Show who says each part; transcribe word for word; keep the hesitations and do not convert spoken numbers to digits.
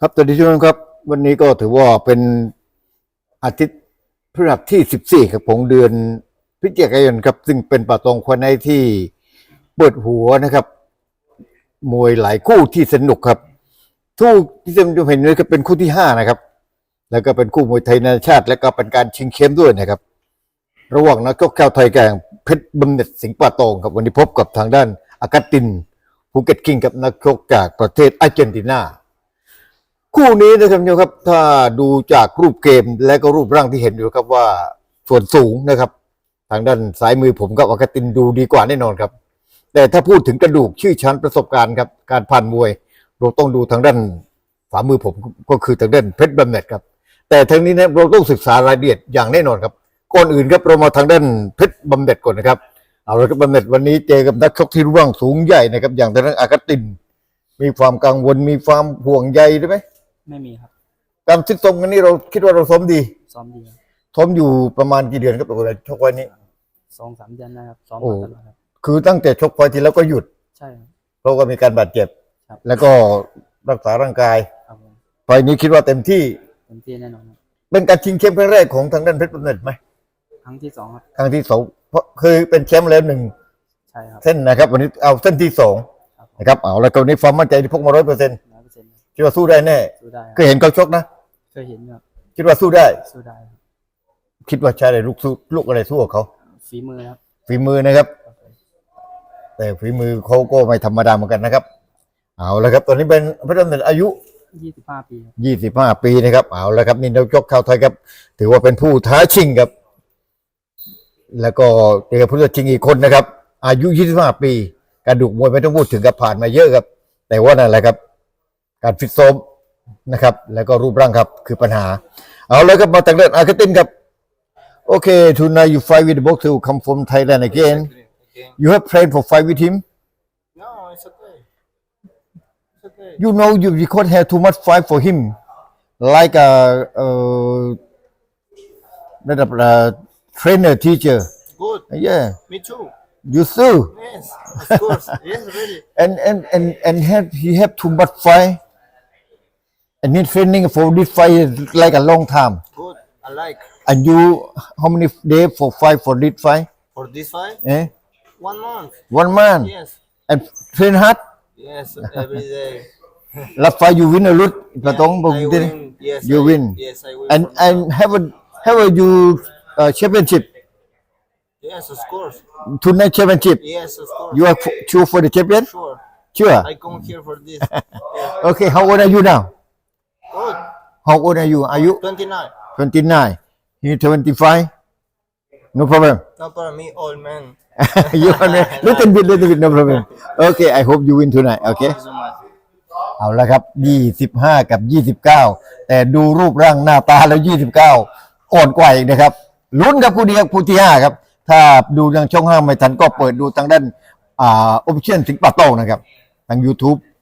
Speaker 1: ครับสวัสดีทุกท่านครับวันนี้ก็ถือว่าเป็นอาทิตย์พฤหัสที่สิบสี่ครับของเดือนพฤศจิกายนครับซึ่งเป็นป่าตองควันในที่เปิดหัวนะครับมวยหลายคู่ที่สนุกครับทุกที่จะเห็นเลยก็เป็นคู่ที่ห้านะครับแล้วก็เป็นคู่มวยไทยนานาชาติและก็เป็นการชิงเข้มด้วยนะครับระหว่างนักชกชาวไทยกับเพชรบำเหน็จสิงห์ป่าตองครับวันนี้พบกับทางด้านอากาตินภูเก็ตคิงกับนักชกจากประเทศอาร์เจนตินาคู่นี้นะครับโยมครับถ้าดูจากรูปเกมและก็รูปร่างที่เห็นอยู่ครับว่าส่วนสูงนะครับทางด้านซ้ายมือผมกับอากาตินดูดีกว่าแน่นอนครับแต่ถ้าพูดถึงกระดูกชื่อชั้นประสบการณ์ครับการผ่านมวยเราต้องดูทางด้านฝ่ามือผมก็คือทางด้านเพชรบำเหน็จครับแต่ทั้งนี้นะเราต้องศึกษารายละเอียดอย่างแน่นอนครับก่อนอื่นครับเรามาทางด้านเพชรบำเหน็จก่อนนะครับเอาละครับบำเหน็จวันนี้เจอกับนักชกที่รูปร่างสูงใหญ่นะครับอย่างทางด้านอากาตินมีความกังวลมีความห่วงใยได้ไหม
Speaker 2: ไม่มีครับ
Speaker 1: การฟิตซ้อมกันนี้เราคิดว่าเราซ้อมดี
Speaker 2: ซ้อมดีครับ
Speaker 1: ซ้อมอยู่ประมาณกี่เดือนครับตัวชกไว้นี้
Speaker 2: สองสามเดือนนะครับซ้อมมาตลอดครับ
Speaker 1: คือตั้งแต่ชกไฟทีแล้วก็หยุด
Speaker 2: ใช่ครับ
Speaker 1: เพราะว่ามีการบาดเจ็บแล้วก็รักษาร่างกายไฟนี้คิดว่าเต็มที่
Speaker 2: เต็มที่แน่นอนครับ
Speaker 1: เป็นการชิงแชมป์ครั้งแรกของทางด้านเพชรบำเหน็จไหม
Speaker 2: ครั้งที่สองครับ
Speaker 1: ครั้งที่สองเพราะเคยเป็นแชมป์แล้วหนึ่ง
Speaker 2: ใช่ครับ
Speaker 1: เส้นนะครับวันนี้เอาเส้นที่สองนะครับเอาแล้วก็วันนี้ความมั่นใจที่พกมาร้อยเปอร์เซ็นต์คิดว่าสู้ได้แน่
Speaker 2: สู้ได้
Speaker 1: เคยเห็นเขาชกนะ
Speaker 2: เคยเห็นครับ
Speaker 1: คิดว่าสู้ได้
Speaker 2: สู้ได้
Speaker 1: คิดว่าใช้อะไรลูกสู้ลูกอะไรสู้กับเขา
Speaker 2: ฝีมือครับ
Speaker 1: ฝีมือนะครับแต่ฝีมือเขาก็ไม่ธรรมดาเหมือนกันนะครับเอาละครับตอนนี้เป็นเพชรบำเหน็จอายุ
Speaker 2: ยี่สิบห้าปี
Speaker 1: ยี่สิบห้าปีนะครับเอาละครับนี่นักชกชาวไทยครับถือว่าเป็นผู้ท้าชิงครับแล้วก็เจอผู้ท้าชิงอีกคนนะครับอายุยี่สิบห้าปีกระดูกมวยไม่ต้องพูดถึงกับผ่านมาเยอะครับแต่ว่านั่นแหละครับการฟิตซ้อมนะครับแล้วก็รูปร่างครับคือปัญหาเอาเลยครับมาตั้งแต่อาร์เจนตินครับโอเค tonight you fight with the boxer who come from Thailand again you have trained for fight with him
Speaker 3: no it's okay it's okay
Speaker 1: you know you because have too much fight for him like a uh ระดับ trainer teacher
Speaker 3: good
Speaker 1: yeah
Speaker 3: me too
Speaker 1: you too
Speaker 3: yes of course yes really
Speaker 1: and and and and have he have too much fight and he training for this fight like a long time
Speaker 3: good I like
Speaker 1: and you how many days for fight for this fight
Speaker 3: for this fight
Speaker 1: eh
Speaker 3: one month
Speaker 1: one month
Speaker 3: yes
Speaker 1: and train hard
Speaker 3: yes every day
Speaker 1: last fight you win or lose ประตง
Speaker 3: I win yes
Speaker 1: you
Speaker 3: I,
Speaker 1: win
Speaker 3: yes I win
Speaker 1: and and have a have a you uh, championship
Speaker 3: yes of course
Speaker 1: tonight championship
Speaker 3: yes of course
Speaker 1: you are sure for the champion
Speaker 3: sure
Speaker 1: sure
Speaker 3: I come here for this yeah.
Speaker 1: okay how old are you now
Speaker 3: good
Speaker 1: how old are you are you
Speaker 3: twenty-nine
Speaker 1: twenty-nine you twenty-five no problem
Speaker 3: no problem me old man
Speaker 1: you are little bit little bit no problem okay I hope you win tonight okay
Speaker 3: thank you so much
Speaker 1: เอาละครับยี่สิบห้ากับยี่สิบเก้าแต่ดูรูปร่างหน้าตาแล้วยี่สิบเก้าอ่อนกว่าอีกนะครับลุ้นกับคู่นี้ครับคู่ที่ห้าครับถ้าดูทางช่องห้าไม่ทันก็เปิดดูทางด้านอ่า Official สิงห์ป่าตองนะครับทาง YouTube